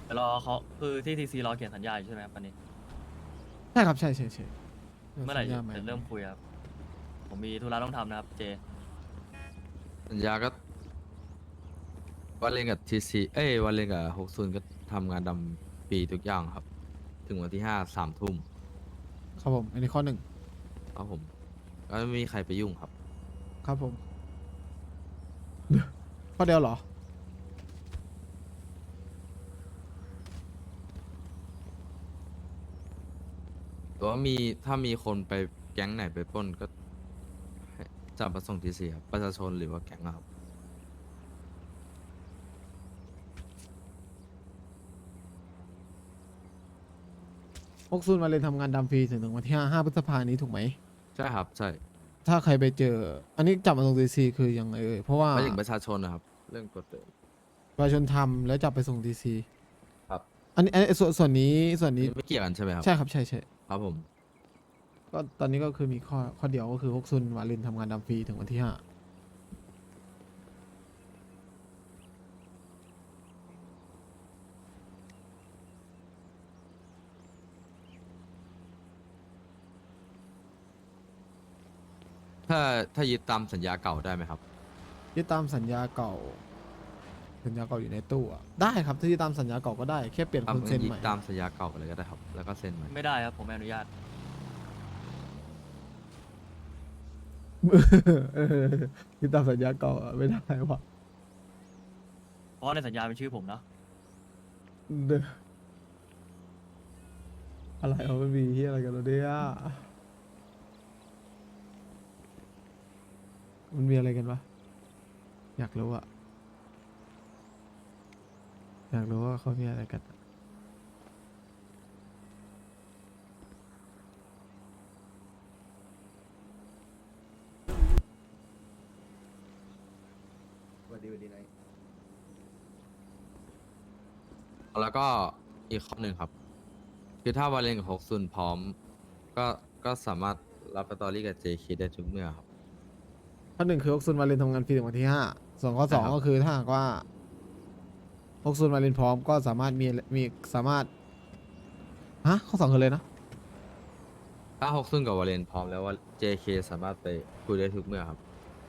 เดี๋ยวรอเขาคือที่ทีซีรอเขียนสัญญาอยู่ใช่ไหมครับวันนี้ใช่ครับใช่ใช่ใช่เดี๋ยวเมื่อไหร่สัญญาใหม่จะเริ่มคุยครับผมมีธุระต้องทำนะครับเจสัญญาก็วันเล่นกับทีซีวันเล่นกับ60ก็ทำงานดำปีทุกอย่างครับ ถึงวันที่5 3 ทุ่มครับผมอันนี้ข้อหนึ่งครับผมก็ไม่มีใครไปยุ่งครับครับผมข้อเดียวเหรอแต่ว่าถ้ามีคนไปแก๊งไหนไปปล้นก็ให้จับมาส่งทีซีครับประชาชนหรือว่าแก๊งอะครับพวกซุนมาเลยนทำงานดำฟรีถึงวันที่5 พฤษภานี้ถูกไหมใช่ครับใช่ถ้าใครไปเจอ อันนี้จับมาตรงดีซีคือยังไงเอ่ยเพราะว่าไม่ถึงประชาชนนะครับ เรื่องกฎเดิมประชาชนทำแล้วจับไปส่งดีซีครับอันนี้ส่วนนี้ส่วนนี้ไม่เกี่ยวกันใช่ไหมครับใช่ครับใช่ใช่ครับผมก็ตอนนี้ก็คือมีข้อเดียวก็คือพวกซุนมาเลนทำงานดำฟรีถึงวันที่ 5 ถ้ายึดตามสัญญาเก่าได้ไหมครับยึดตามสัญญาเก่าสัญญาเก่าอยู่ในตู้อะได้ครับถ้ายึดตามสัญญาเก่าก็ได้แค่เปลี่ยนคนเซ็นยึใหม่ดตามสัญญาเก่าไปเลยก็ได้ครับแล้วก็เซ็นใหม่ไม่ได้ครับผมไม่อนุญาตเออยึดตามสัญญาเก่าอะไม่ได้วะเพราะว่าในสัญญาเป็นชื่อผมเนาะเด้ออะไรเอามันมีที่อะไรกันแล้วเนี่ยมันมีอะไรกันวะอยากรู้อะอยากรู้ว่าเขามีอะไรกันอะแล้วก็อีกข้อหนึ่งครับ คือถ้าวาเลนกับ60พร้อมก็ก็สามารถรับสตอรี่กับ JK ได้ทุกเมื่อครับข้อหนึ่งคือฮกซุนมาเรีนทำงานฟรีถึงวันที่ 5ส่วนข้อสองใช่ครับก็คือถ้าหากว่าฮกซุนมาเรีนพร้อมก็สามารถมีสามารถฮะข้อสองคือเลยนะถ้า60กับวาเลนพร้อมแล้วว่า JK สามารถไปคุยได้ทุกเมื่อครับ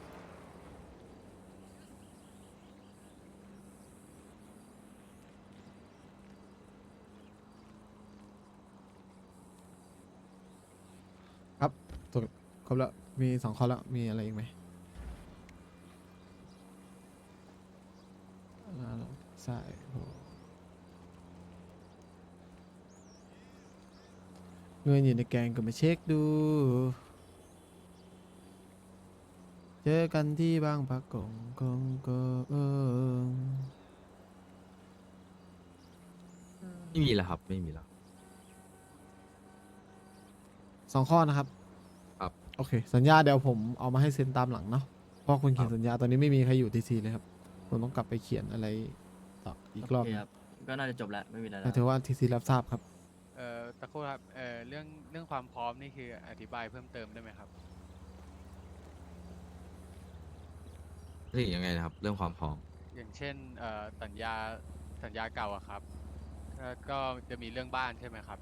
ครับถูกครบแล้วมีสองข้อแล้วมีอะไรอีกไหมใช่โหเงินอยู่ในแกงก็มาเช็คดู เจอกันที่บางปะกงกงก็ไม่มีแล้วครับไม่มีแล้วสองข้อนะครับครับโอเค สัญญาเดี๋ยวผมเอามาให้เซ็นตามหลังเนาะเพราะคนครัเขียนบสัญญาตอนนี้ไม่มีใครอยู่ทีซีเลยครับผมต้องกลับไปเขียนอะไรต่ออีกรอบโอเคหนึ่งครับก็น่าจะจบแล้วไม่มีอะไรแล้แต่วถือว่าทีซีรับทราบครับตะโครู่ครับเรื่องความพร้อมนี่คืออธิบายเพิ่มเติมได้ไหมครับถึงยังไงนะครับ เรื่องความพร้อมอย่างเช่นสัญญาเก่าอะครับก็จะมีเรื่องบ้านใช่ไหมครับ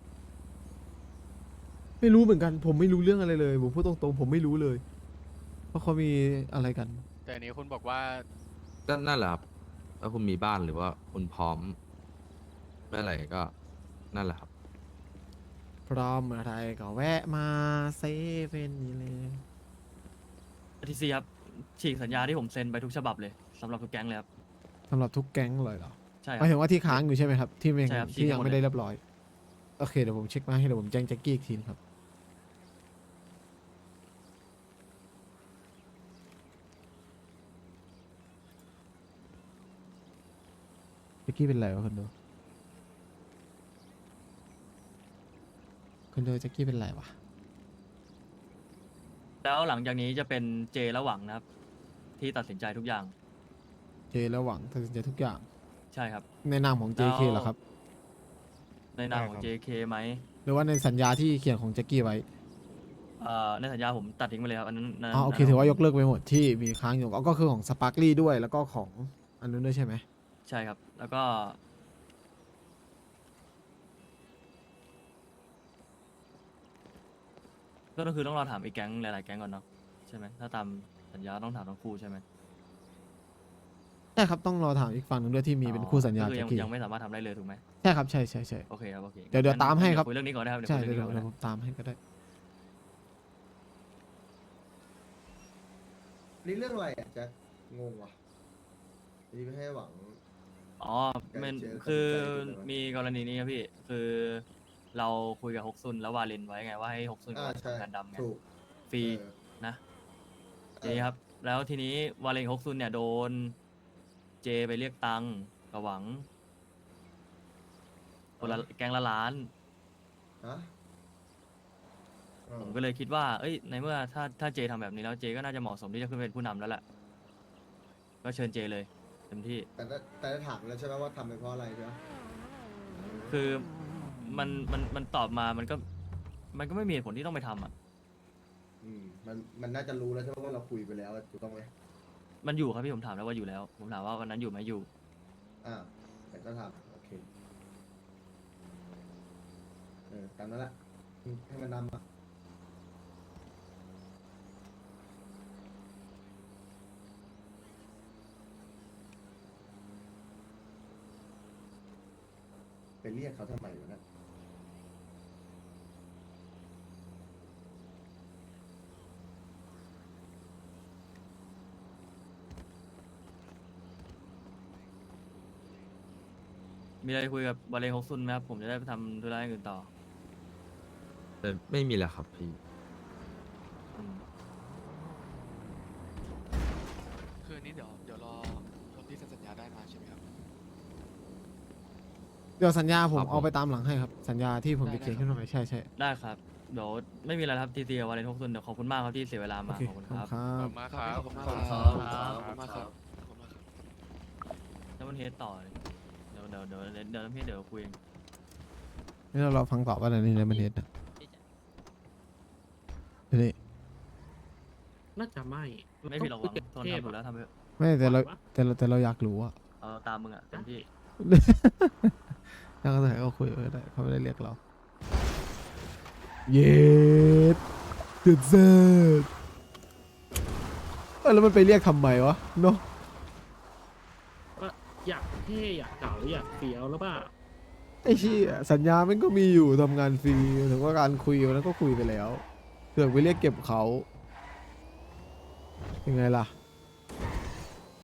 ไม่รู้เหมือนกัน ผมไม่รู้เรื่องอะไรเลยผมพูดตรงๆผมไม่รู้เลยเพราะเขามีอะไรกันแต่อันนี้คุณบอกว่าก็นั่นแหละครับถ้าคุณมีบ้านหรือว่าคุณพร้อมเมื่อไหร่ก็นั่นแหละครับพร้อมอะไรก็แวะมาเซเว่นนี่เลยทีซีครับฉีกสัญญาที่ผมเซ็นไปทุกฉบับเลยสำหรับทุกแก๊งเลยครับสำหรับทุกแก๊งเลยเหรอใช่คหรัมายบถึงว่าที่ค้างอยู่ใช่ไหมครับที่ไม่ใช่ครับที่ยังที่หมดไม่เลยได้เรียบร้อยโอเคเดี๋ยวผมเช็คมาให้เดี๋ยวผมแจ้งแจ็คกี้อีกทีนะครับแจ็คกี้เป็นไรวะคนดูแจ็คกี้เป็นไรวะแล้วหลังจากนี้จะเป็นเจและหวังนะครับที่ตัดสินใจทุกอย่างเจแล้วหวังตัดสินใจทุกอย่างใช่ครับในนามของ JK แล้วเหรอครับในนามของ JK ไหมหรือว่าในสัญญาที่เขียนของแจ็คกี้ไว้ในสัญญาผมตัดทิ้งไปเลยครับอันนั้นอ๋อโอเคถือว่ายกเลิกไปหมดที่มีค้างอยู่ก็คือของสปาร์คลี่ด้วยแล้วก็ของอันนู้นด้วยใช่ไหมใช่ครับ แล้วก็ก็คือต้องรอถามอีกแก๊งหลายๆแก๊งก่อนเนาะใช่ไหมถ้าตามสัญญาต้องถามทั้งคู่ใช่ไหมใช่ครับต้องรอถามอีกฝั่งหนึ่งด้วยที่มีเป็นคู่สัญญาก็คือแจ็คกี้ยังไม่สามารถทำได้เลยถูกไหมใช่ครับใช่ใช่ใช่โอเคครับโอเคเดี๋ยวตามให้ครับคุยเรื่องนี้ก่อนนะครับใช่คุยเดี๋ยวเรื่องนี้ก่อนผมตามให้ก็ได้นี่เรื่องอะไรอ่ะแจ็คงงว่ะอันนี้ไม่ให้หวังอ๋อมันเจอคือตัดสินใจถูกไหมมีกรณีนี้ครับพี่ คือเราคุยกับฮกซุนแล้ววาเลนไว้ไงว่าให้ฮกซุนกับใช่ทำงานดำไงถูกฟรีเออนะทีนี้ครับ แล้วทีนี้วาเลนฮกซุนเนี่ยโดนเจไปเรียกตังค์กับหวังคนละแก๊งละล้านฮะเออผมก็เลยคิดว่า เอ้ย ในเมื่อถ้าเจทำแบบนี้แล้วเจก็น่าจะเหมาะสมที่จะขึ้นเป็นผู้นำแล้วแหละ ก็เชิญเจเลยเต็มที่แต่ได้ถามแล้วใช่ไหมว่าทำไปเพราะอะไรใช่ไหมคือมันตอบมามันก็ไม่มีเหตุผลที่ต้องไปทำอ่ะมันน่าจะรู้แล้วใช่ไหมว่าเราคุยไปแล้วอะถูกต้องไหมมันอยู่ครับพี่ผมถามแล้วว่าอยู่แล้ว ผมถามว่าวันนั้นอยู่ไหมอยู่แต่ก็ทำโอเคตามนั้นแหละให้มันนำอ่ะไปเรียกเขาทำไมวะเนี่ยมีอะไรคุยกับบาเลฮกซุนไหมครับ ผมจะได้ไปทำธุระอย่างอื่นต่อแต่ไม่มีแล้วครับพี่อืมคืออันนี้เดี๋ยวรอคนที่เซ็นสัญญาได้มาใช่ไหมครับเดี๋ยวสัญญาผมครับผมเอาไปตามหลังให้ครับ สัญญาที่ผมได้จะเขียนได้ขึ้นมาใหม่ใช่ใช่ได้ครับ เดี๋ยวไม่มีอะไรแล้วครับทีซีกับวาเลนฮกซุนเดี๋ยวขอบคุณมากครับที่เสียเวลาโอมาเคขอบคุณขอบคคุรับณคขรัอบบ คุณมากครับขอบคุณมากครับขอบคุณครับขอบคุณมากครับขอบคุณมากครับแล้วมันเฮดต่อเลยเดี๋ยวน้ำเฮดเดี๋ยวคุยเองนี่เราฟังต่อว่าอะไรในมันเทสนะเดี๋ยวนี้น่าจะไม่ไม่ผิดหรอกหวังทนทำถูกแล้วทำไปเถอะไม่แต่เราอยากรู้อะเอาตามมึงอ่ะเต็มที่ถ้าเขาถ่ายก็คุยก็ได้เขาไม่ได้เรียกเรา เย็ดเดือดเซดแล้วมันไปเรียกทำไมวะเนาะก็อยากเท่อยากเก่าอยากเฟี้ยวแล้วป่ะไอ้ชี้ยสัญญามันก็มีอยู่ทำงานฟรีถึงว่าการคุยวันนั้นก็คุยไปแล้วเสือกไปเรียกเก็บเขายังไงล่ะ